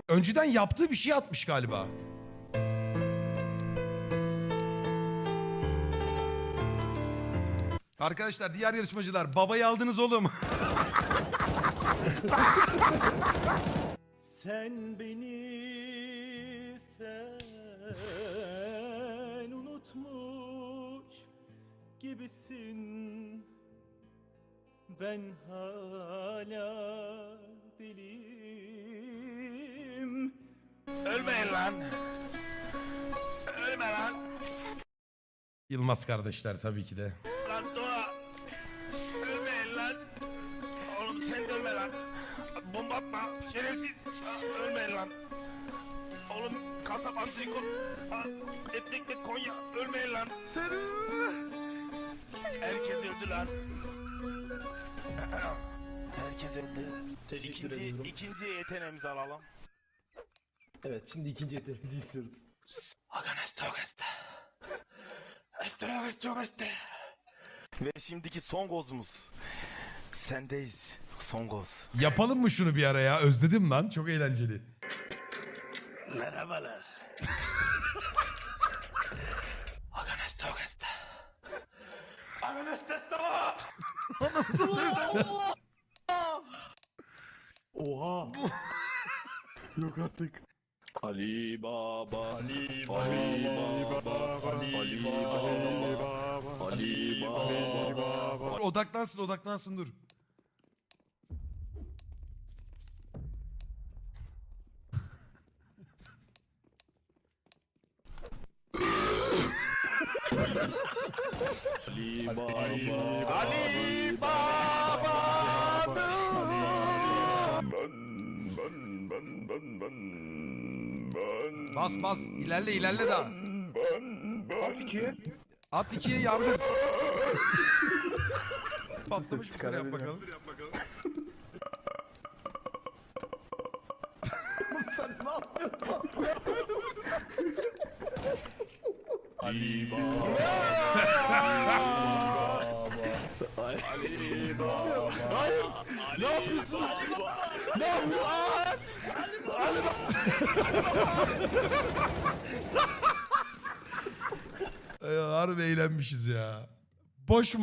Önceden yaptığı bir şey atmış galiba. Arkadaşlar diğer yarışmacılar babayı aldınız oğlum. Sen beni sen unutmuş gibisin. Ben hala deliyim. Ölmeyin lan. Ölme lan. Yılmaz kardeşler tabii ki de. Lan Doğa. Ölmeyin lan. Oğlum sen de ölme lan. Bomba atma. Şerefsiz. Ölmeyin lan. Oğlum kasap antrikot. Etlikli Konya. Ölmeyin lan. Herkes öldü lan. Herkes öldü. Teşekkür ediyorum. İkinci yeteneğimizi alalım. Evet, şimdi ikinci yeteneğimizi istiyoruz. Ve şimdiki son gozumuz. Sendeyiz. Son goz. Yapalım mı şunu bir ara ya? Özledim lan. Çok eğlenceli. Merhabalar. Oha! Yok artık. Ali Baba, Ali Ali Baba, Baba, Ali Ali Baba, Ali Baba. Odaklansın dur. Ali Baba, Ali Baba. Bas ilerle daha. At ikiye yardır. Patlamış mısır yap bakalım. Sen ne yapıyorsun? Ali Baba, Ali Baba. Hayır. Ne yapıyorsunuz? Ne yapıyorsunuz? Harbi eğlenmişiz ya. Boş mu?